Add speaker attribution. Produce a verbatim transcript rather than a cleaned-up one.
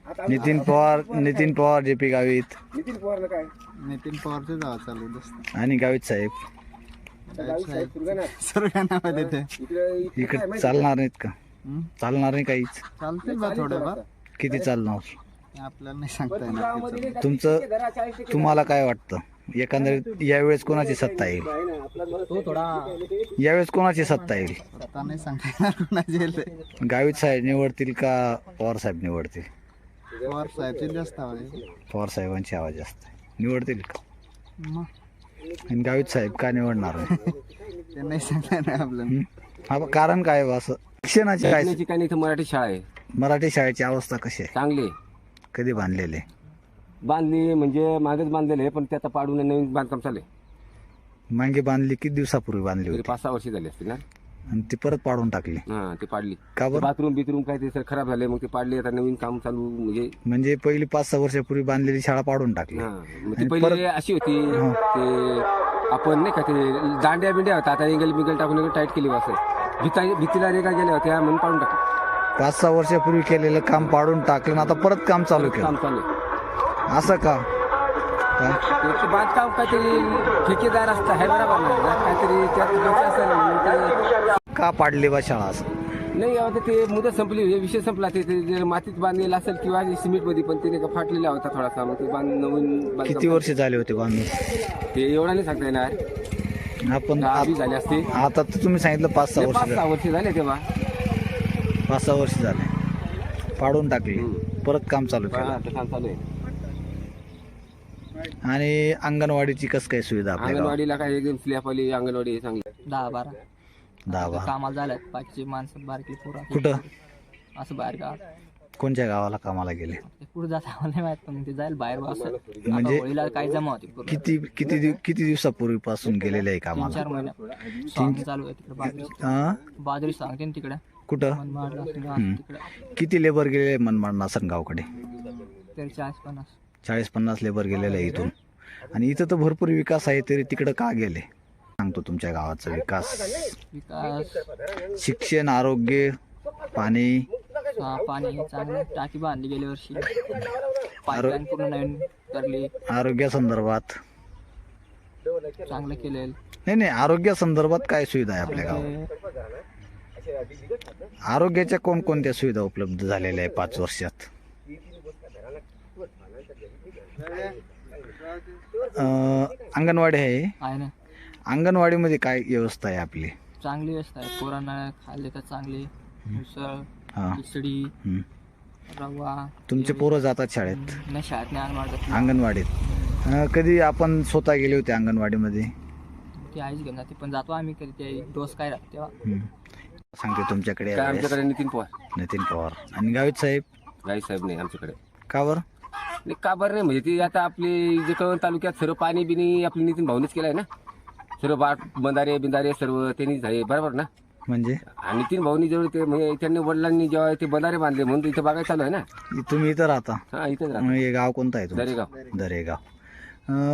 Speaker 1: Nitin Pawar Nitin Pawar J P Gavit
Speaker 2: Nitin पवारला काय
Speaker 3: नितीन पवारचं जावं चालू जास्त
Speaker 1: आणि गावित साहेब
Speaker 3: सुरगाणामध्ये ते
Speaker 1: इकडे चालणार नाहीत का?
Speaker 3: हं?
Speaker 1: चालणार नाही काहीच.
Speaker 3: चालतील बा थोडंफार
Speaker 1: किती चालणार
Speaker 3: आपल्याला नाही सांगता येणार त्याचं.
Speaker 1: तुमचं तुम्हाला काय वाटतं एकंदरीत यावेळेस कोणाची सत्ता येईल? यावेळेस कोणाची सत्ता येईल?
Speaker 3: आता नाही सांगता येणार कोणाची येईल ते.
Speaker 1: गावित साहेब निवडतील का पवार साहेब निवडतील?
Speaker 3: पवार साहेबचे जास्त आवडेल
Speaker 1: पवार साहेबांची आवाज जास्त आहे. निवडतील का?
Speaker 3: मग
Speaker 1: आणि गावित साहेब का निवडणार नाही?
Speaker 3: ते नाही सांगता येणार आपल्याला.
Speaker 1: हं? हा, कारण काय आहे बा असं? शिक्षणाची काय
Speaker 2: शिकण्याची काही नाही इथं मराठी शाळा आहे
Speaker 1: मराठी शाळेची अवस्था कशी आहे?
Speaker 2: चांगली आहे.
Speaker 1: कधी बांधलेले?
Speaker 2: बांधली म्हणजे मागेच बांधलेले आहे पण ते आता पाडून नवीन बांधकाम चालू आहे.
Speaker 1: मागे बांधली किती दिवसापूर्वी बांधली
Speaker 2: तरी
Speaker 1: होती
Speaker 2: पाच सहा वर्ष झाली असतील ना.
Speaker 1: आणि ती परत पाडून टाकली
Speaker 2: हा ते पाडली.
Speaker 1: का बरं?
Speaker 2: बाथरूम बिथरूम काय ते सर खराब झाले मग ते पाडले आता नवीन काम चालू म्हणजे
Speaker 1: म्हणजे पहिली पाच सहा वर्षापूर्वी बांधलेली शाळा पाडून टाकली.
Speaker 2: हा मग ती
Speaker 1: आणि
Speaker 2: पहिले
Speaker 1: परत-
Speaker 2: अशी होती ते आपण नाही का ते दांड्या बिंड्या होता आता एंगल बिंगल टाकून एकदम टाईट केली असं भीता भीतीला रेगा गेल्या होत्या म्हणून पाडून टाकली.
Speaker 1: पाच सहा वर्षापूर्वी केलेलं काम पाडून टाकलं आणि आता परत काम चालू
Speaker 2: काम
Speaker 1: केलं
Speaker 2: चालू आहे.
Speaker 1: असं का? का?
Speaker 2: ते बांधकाम काहीतरी ठेकेदार असतं आहे बरोबर ना काहीतरी त्यात डोकं असेल म्हणून ते-
Speaker 1: का पाडली बा शाळा असं?
Speaker 2: नाही आता ते मुदत संपली हे विषय संपला ते ते जे मातीत बांधलेलं असेल किंवा सिमेंट मध्ये पण ते का फाटलेला होता थोडासा मग ते बांध नवीन बांधकाम-
Speaker 1: किती वर्ष झाले होते बांधून?
Speaker 2: ते एवढा नाही सांगता येणार
Speaker 1: आपण
Speaker 2: दहा वीस झाले असते
Speaker 1: आता तर तुम्ही सांगितलं पाच सहा
Speaker 2: हे
Speaker 1: वर्ष
Speaker 2: पाच
Speaker 1: झाले.
Speaker 2: सहा वर्ष झाले तेव्हा
Speaker 1: पाच सहा वर्ष झाले पाडून टाकली परत काम चालू केलं.
Speaker 2: हा, ते काम चालू आहे.
Speaker 1: आणि अंगणवाडीची कसं काय सुविधा आपल्या गावात?
Speaker 2: अंगणवाडीला काय एकदम स्लॅप आली अंगणवाडी आहे चांगली.
Speaker 4: दहा बारा
Speaker 1: दहा बारा
Speaker 4: कामाला झाल्यात बाकीची माणसं बारकी पोरं
Speaker 1: कुठं?
Speaker 4: असं बाहेर गावात
Speaker 1: कोणत्या गावाला कामाला गेले?
Speaker 4: ते कुठं जात आम्हाला नाही माहित पण ते जाईल बाहेर बा असं
Speaker 1: म्हणजे-
Speaker 4: आता होळीला काय जमा होती पूर्ण
Speaker 1: किती किती दिव- किती दिवसापूर्वीपासून गेलेले आहे
Speaker 4: तीन
Speaker 1: कामाला?
Speaker 4: चार महिने सॉंग चालू आहे तिकडे बाजरी
Speaker 1: हा?
Speaker 4: बाजरी सांगते ना तिकडे
Speaker 1: कुठं?
Speaker 4: मनमाडला
Speaker 1: हम्म.
Speaker 4: तिकडे
Speaker 1: किती लेबर गेले मनमाड नासनगावकडे?
Speaker 4: तरी चाळीस पन्नास
Speaker 1: चाळीस पन्नास लेबर गेलेले आहे इथून. आणि इथं तर भरपूर विकास आहे तरी तिकडं का गेले? सांगतो तुमच्या गावाचा विकास.
Speaker 4: विकास
Speaker 1: शिक्षण, आरोग्य, पाणी,
Speaker 4: हा, पाणी चांगलं टाकी बांधली गेल्या वर्षी पाईपलाईन पूर्ण नवीन करली
Speaker 1: आरोग्यासंदर्भात
Speaker 4: चांगलं केलेलं
Speaker 1: नाही नाही आरोग्यासंदर्भात काय सुविधा आहे आपल्या गावात? आरोग्याच्या कोणकोणत्या सुविधा उपलब्ध झालेल्या आहे पाच वर्षात? अं, अंगणवाडी आहे.
Speaker 4: आहे ना
Speaker 1: अंगणवाडीमध्ये काय व्यवस्था आहे आपली?
Speaker 4: चांगली व्यवस्था आहे पोरांना खाल्ले तर चांगली उसळ
Speaker 1: हा.
Speaker 4: खिचडी
Speaker 1: हं.
Speaker 4: रवा
Speaker 1: तुमचे पोरं जातात शाळेत
Speaker 4: नाही शाळेत नाही आणणार
Speaker 1: अंगणवाडीत? अं, कधी आपण स्वतः गेले होते अंगणवाडीमध्ये?
Speaker 4: ती आईच घेऊन जाते पण जातो आम्ही कधी ते डोस काय राहते तेव्हा
Speaker 1: हं. सांगते तुमच्याकडे
Speaker 2: काय
Speaker 1: यावेळेस.
Speaker 2: आमच्याकडे नितीन पवार
Speaker 1: नितीन पवार आणि गावित साहेब
Speaker 2: गाई साहेब नाही आमच्याकडे.
Speaker 1: का बरं?
Speaker 2: नाही का बरं नाही म्हणजे ती आता आपली जे कळवण तालुक्यात सर्व पाणी बिनी आपली नितीन भाऊनीच केलंय ना सर्व बाट बंधारे बिंधारे सर्व त्यांनीच झाले बरोबर ना.
Speaker 1: म्हणजे
Speaker 2: आणि नितीन भाऊनी जेवढे ते म्हणजे त्यांनी वडिलांनी जेव्हा ते बंधारे बांधले म्हणून इथं बघायला चालू आहे ना.
Speaker 1: तुम्ही इथं राहता?
Speaker 2: हा इथंच राहतो
Speaker 1: मग हे गाव कोणतं आहे तुमचं?
Speaker 2: दरेगाव.
Speaker 1: दरेगाव. अं,